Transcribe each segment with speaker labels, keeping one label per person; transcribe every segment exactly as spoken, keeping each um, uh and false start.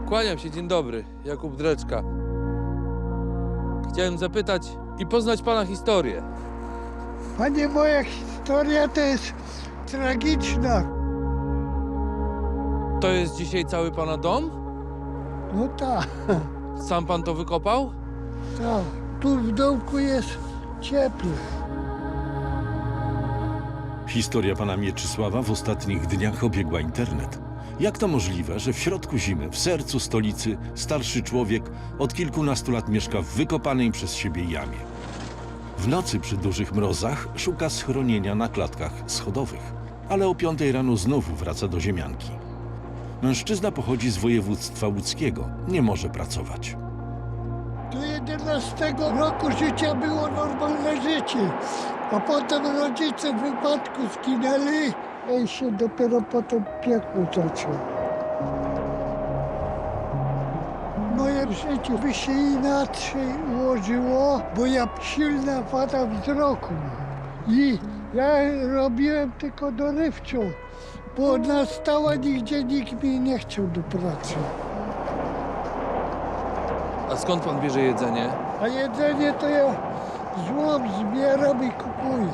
Speaker 1: Kłaniam się, dzień dobry. Jakub Dreczka. Chciałem zapytać i poznać pana historię.
Speaker 2: Panie, moja historia to jest tragiczna.
Speaker 1: To jest dzisiaj cały pana dom?
Speaker 2: No tak,
Speaker 1: Sam pan to wykopał?
Speaker 2: tak. Tu w domku jest cieplej.
Speaker 3: Historia pana Mieczysława w ostatnich dniach obiegła internet. Jak to możliwe, że w środku zimy, w sercu stolicy, starszy człowiek od kilkunastu lat mieszka w wykopanej przez siebie jamie? W nocy przy dużych mrozach szuka schronienia na klatkach schodowych, ale o piątej rano znów wraca do ziemianki. Mężczyzna pochodzi z województwa łódzkiego, nie może pracować.
Speaker 2: Do jedenastego roku życia było normalne życie, a potem rodzice w wypadku zginęli i się dopiero potem piekło zaczęło. Moje życie by się inaczej ułożyło, bo ja silna wada wzroku mam. I ja robiłem tylko dorywczo, bo na stałe nigdzie nikt mi nie chciał do pracy.
Speaker 1: A skąd pan bierze jedzenie?
Speaker 2: A jedzenie to ja złom zbieram i kupuję.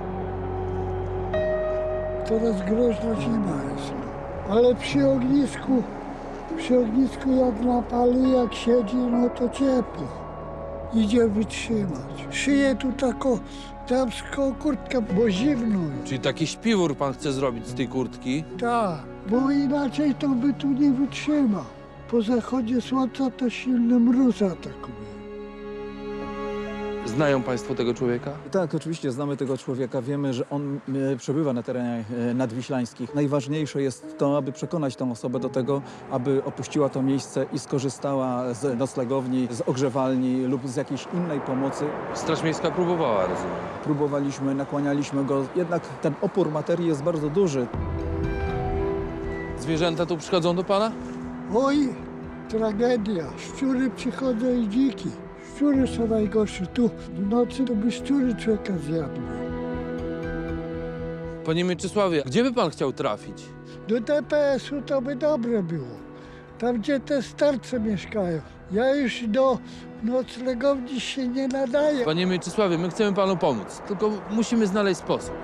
Speaker 2: Teraz groźna zima jest. Ale przy ognisku, przy ognisku jak napali, jak siedzi, no to ciepło. Idzie wytrzymać. Szyję tu taką damską kurtkę, bo zimno jest.
Speaker 1: Czyli taki śpiwór pan chce zrobić z tej kurtki?
Speaker 2: Tak, bo inaczej to by tu nie wytrzymał. Po zachodzie słońca to silny mróz atakuje.
Speaker 1: Znają państwo tego człowieka?
Speaker 4: Tak, oczywiście znamy tego człowieka. Wiemy, że on e, przebywa na terenach e, nadwiślańskich. Najważniejsze jest to, aby przekonać tę osobę do tego, aby opuściła to miejsce i skorzystała z noclegowni, z ogrzewalni lub z jakiejś innej pomocy.
Speaker 1: Straż Miejska próbowała, rozumiem.
Speaker 4: Próbowaliśmy, nakłanialiśmy go, jednak ten opór materii jest bardzo duży.
Speaker 1: Zwierzęta tu przychodzą do pana?
Speaker 2: Oj, tragedia. Szczury przychodzą i dziki. Szczury są najgorsze. Tu w nocy to by szczury człowieka zjadły.
Speaker 1: Panie Mieczysławie, gdzie by pan chciał trafić?
Speaker 2: Do D P S-u to by dobre było. Tam, gdzie te starce mieszkają. Ja już do noclegowni się nie nadaję.
Speaker 1: Panie Mieczysławie, my chcemy panu pomóc, tylko musimy znaleźć sposób.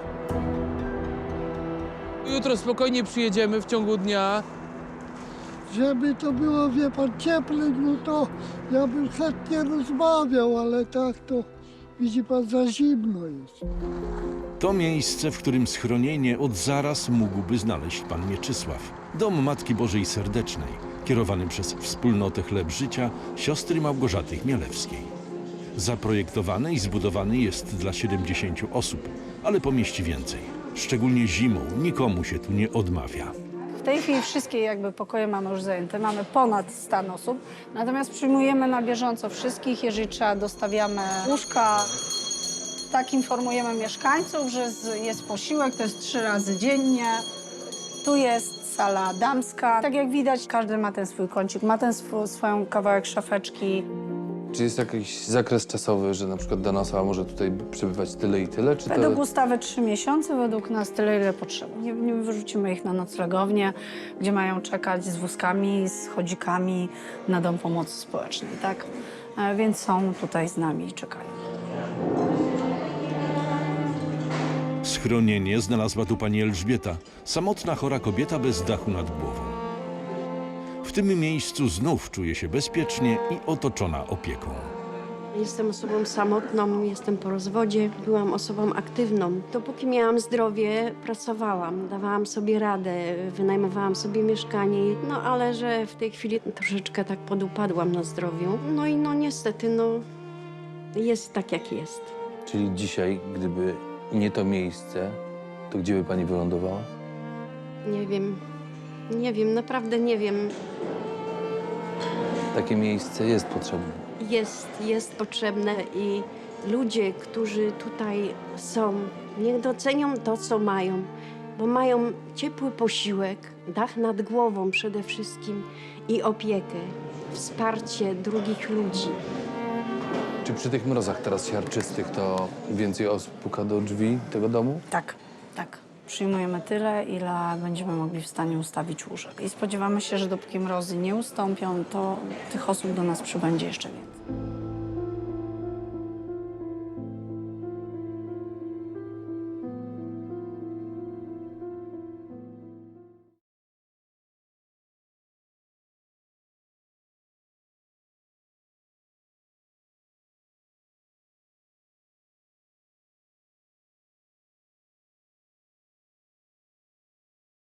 Speaker 1: Jutro spokojnie przyjedziemy w ciągu dnia.
Speaker 2: Żeby to było, wie pan, cieplej, no to ja bym chętnie rozmawiał, ale tak to, widzi pan, za zimno jest.
Speaker 3: To miejsce, w którym schronienie od zaraz mógłby znaleźć pan Mieczysław. Dom Matki Bożej Serdecznej, kierowany przez Wspólnotę Chleb Życia siostry Małgorzaty Chmielewskiej. Zaprojektowany i zbudowany jest dla siedemdziesięciu osób, ale pomieści więcej. Szczególnie zimą nikomu się tu nie odmawia.
Speaker 5: W tej chwili wszystkie jakby pokoje mamy już zajęte, mamy ponad sto osób, natomiast przyjmujemy na bieżąco wszystkich, jeżeli trzeba dostawiamy łóżka. Tak informujemy mieszkańców, że jest posiłek, to jest trzy razy dziennie. Tu jest sala damska. Tak jak widać, każdy ma ten swój kącik, ma ten swój, swoją kawałek szafeczki.
Speaker 1: Czy jest jakiś zakres czasowy, że na przykład dana osoba może tutaj przebywać tyle i tyle? Czy
Speaker 5: Według
Speaker 1: to...
Speaker 5: ustawy trzy miesiące, według nas tyle, ile potrzeba. Nie, nie wyrzucimy ich na noclegownię, gdzie mają czekać z wózkami, z chodzikami na Dom Pomocy Społecznej, tak? E, Więc są tutaj z nami i czekają.
Speaker 3: Schronienie znalazła tu pani Elżbieta, samotna chora kobieta bez dachu nad głową. W tym miejscu znów czuje się bezpiecznie i otoczona opieką.
Speaker 6: Jestem osobą samotną, jestem po rozwodzie. Byłam osobą aktywną. Dopóki miałam zdrowie, pracowałam, dawałam sobie radę, wynajmowałam sobie mieszkanie. No ale że w tej chwili troszeczkę tak podupadłam na zdrowiu. No i no niestety, no jest tak jak jest.
Speaker 1: Czyli dzisiaj, gdyby nie to miejsce, to gdzie by pani wylądowała?
Speaker 6: Nie wiem, nie wiem, naprawdę nie wiem.
Speaker 1: Takie miejsce jest potrzebne.
Speaker 6: Jest, jest potrzebne i ludzie, którzy tutaj są, niech docenią to, co mają, bo mają ciepły posiłek, dach nad głową przede wszystkim i opiekę, wsparcie drugich ludzi.
Speaker 1: Czy przy tych mrozach teraz siarczystych to więcej osób puka do drzwi tego domu?
Speaker 5: Tak, tak. Przyjmujemy tyle, ile będziemy mogli w stanie ustawić łóżek. I spodziewamy się, że dopóki mrozy nie ustąpią, to tych osób do nas przybędzie jeszcze więcej.